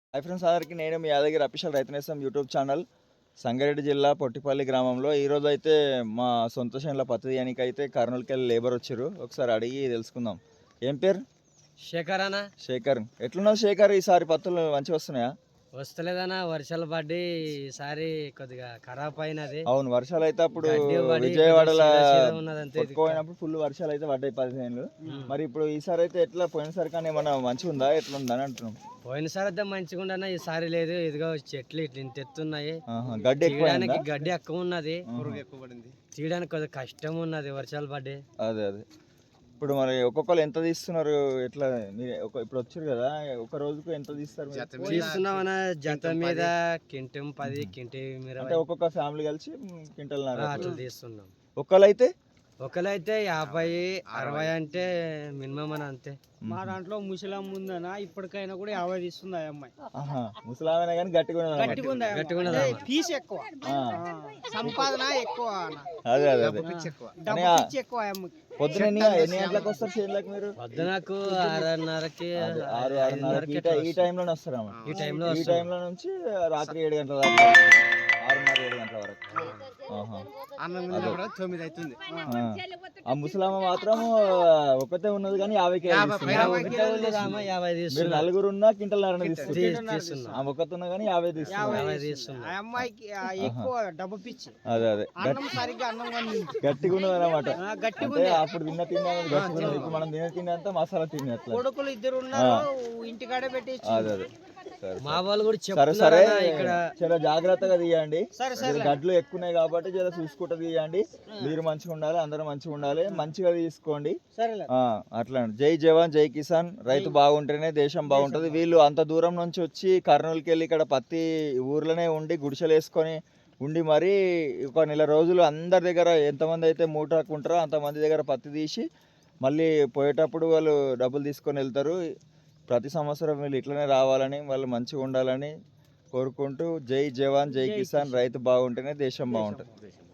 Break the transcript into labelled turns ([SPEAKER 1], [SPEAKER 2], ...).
[SPEAKER 1] Hi friends, అందరికీ నేను మీ Yadagiri official రైతు నేస్తం యూట్యూబ్ ఛానల్. సంగారెడ్డి జిల్లా పొట్టిపల్లి గ్రామంలో ఈరోజు అయితే మా సొంత చేనుల పత్తి తీయడానికి అయితే కర్నూలుకి వెళ్ళి లేబర్ వచ్చారు. ఒకసారి అడిగి తెలుసుకుందాం. ఏం పేరు?
[SPEAKER 2] శేఖర్ అన్న.
[SPEAKER 1] శేఖర్. ఎట్లున్నావు శేఖర్? ఈసారి పత్తులు మంచిగా వస్తున్నాయా?
[SPEAKER 2] వస్తలేదన్న, వర్షాలు పడి ఈసారి కొద్దిగా ఖరాబ్ అయినది.
[SPEAKER 1] అవును, వర్షాలు అయితే అప్పుడు
[SPEAKER 2] గడ్డి పడి
[SPEAKER 1] విజయవాడలో
[SPEAKER 2] ఉన్నదంతే.
[SPEAKER 1] కొట్టుకుపోయినప్పుడు ఫుల్ వర్షాలు అయితే పడ్డాయి 15 మరి ఇప్పుడు ఈసారి అయితే ఎట్లా? పోయినసారి కానీ ఏమన్నా మంచిగా ఉందా, ఎట్లా ఉందా అని అంటున్నాం.
[SPEAKER 2] పోయినసారి అయితే మంచిగా ఉండన్న, ఈసారి లేదు. ఇదిగో చెట్లు ఇట్లా ఇంత ఎత్తున్నాయి.
[SPEAKER 1] గడ్డి ఎక్కువ
[SPEAKER 2] తీయడానికి గడ్డి ఎక్కువ ఉన్నది, తీయడానికి కొద్దిగా కష్టం ఉన్నది వర్షాలు పడ్డాయి.
[SPEAKER 1] అదే అదే. ఇప్పుడు మరి ఒక్కొక్కరు ఎంత తీస్తున్నారు? ఎట్లా ఇప్పుడు వచ్చారు కదా, ఒక రోజుకు ఎంత తీస్తారు?
[SPEAKER 2] తీస్తున్నామన్న, జత మీద కింటం 10, కింటి
[SPEAKER 1] అంటే ఒక్కొక్క ఫ్యామిలీ కలిసి క్వింటల్
[SPEAKER 2] అట్లా తీస్తున్నాం.
[SPEAKER 1] ఒక్కరైతే
[SPEAKER 2] ఒకరైతే 50, 60 అంటే మినిమం అని అంతే.
[SPEAKER 3] మా దాంట్లో ముసలమ్మ ఉందన, ఇప్పటికైనా కూడా 50 తీస్తుంది ఆ అమ్మాయి.
[SPEAKER 1] ముసలామైనా కానీ
[SPEAKER 3] గట్టిగా ఫీజు ఎక్కువ, సంపాదన ఎక్కువ,
[SPEAKER 1] అదే అదే అదే.
[SPEAKER 3] డబ్బు పిచ్చి ఎక్కువ ఆ అమ్మకి.
[SPEAKER 1] పొద్దున ఎన్ని గంటలకు వస్తారు చేనులకు మీరు?
[SPEAKER 2] పొద్దునకు 6:30కి
[SPEAKER 1] 6:30 ఈ టైంలోనే వస్తారా?
[SPEAKER 2] ఈ టైంలో
[SPEAKER 1] ఈ టైంలో నుంచి రాత్రి 7 గంటల దాకా, 6:30, 7 గంటల వరకు. ఆ ముసలామ మాత్రం ఒకతే ఉన్నది కానీ 50 మీరు నలుగురు ఉన్నా క్వింటల్
[SPEAKER 2] తీస్తున్నా.
[SPEAKER 1] ఒకటి ఉన్నా కానీ 50 తీస్తున్నారు.
[SPEAKER 3] ఆ అమ్మాయికి ఎక్కువ డబ్బు పిచ్చి.
[SPEAKER 1] అదే అదే,
[SPEAKER 3] అన్నం సరిగ్గా అన్నం కానీ
[SPEAKER 1] గట్టిగా ఉన్నది అన్నమాట.
[SPEAKER 3] గట్టిగా
[SPEAKER 1] అంటే అప్పుడు తిన్న తిండి గట్టిగా ఉన్నది, ఇప్పుడు మనం తిన్న తిండి అంతా మసాలా తిండి అట్లా.
[SPEAKER 3] కొడుకులు 2 ఉన్నారు, ఇంటికాడే పెట్టి.
[SPEAKER 1] అదే అదే.
[SPEAKER 2] మా వాళ్ళు కూడా
[SPEAKER 1] సరే సరే,
[SPEAKER 2] ఇక్కడ
[SPEAKER 1] చాలా జాగ్రత్తగా తీయండి.
[SPEAKER 3] సరే
[SPEAKER 1] గడ్లు ఎక్కువ ఉన్నాయి కాబట్టి చాలా చూసుకుంటూ తీయండి. మీరు మంచిగా ఉండాలి, అందరూ మంచిగా ఉండాలి, మంచిగా తీసుకోండి. అట్లా. జై జవాన్ జై కిసాన్. రైతు బాగుంటేనే దేశం బాగుంటది. వీళ్ళు అంత దూరం నుంచి వచ్చి కర్నూలుకి వెళ్ళి ఇక్కడ పత్తి ఊర్లోనే ఉండి గుడిసెలు వేసుకొని ఉండి మరి ఒక నెల రోజులు అందరి దగ్గర ఎంతమంది అయితే మూటకుంటారో అంతమంది దగ్గర పత్తి తీసి మళ్ళీ పోయేటప్పుడు వాళ్ళు డబ్బులు తీసుకొని వెళ్తారు. ప్రతి సంవత్సరం వీళ్ళు ఇట్లనే రావాలని, వాళ్ళు మంచిగా ఉండాలని కోరుకుంటూ జై జవాన్ జై కిసాన్. రైతు బాగుంటేనే దేశం బాగుంటుంది.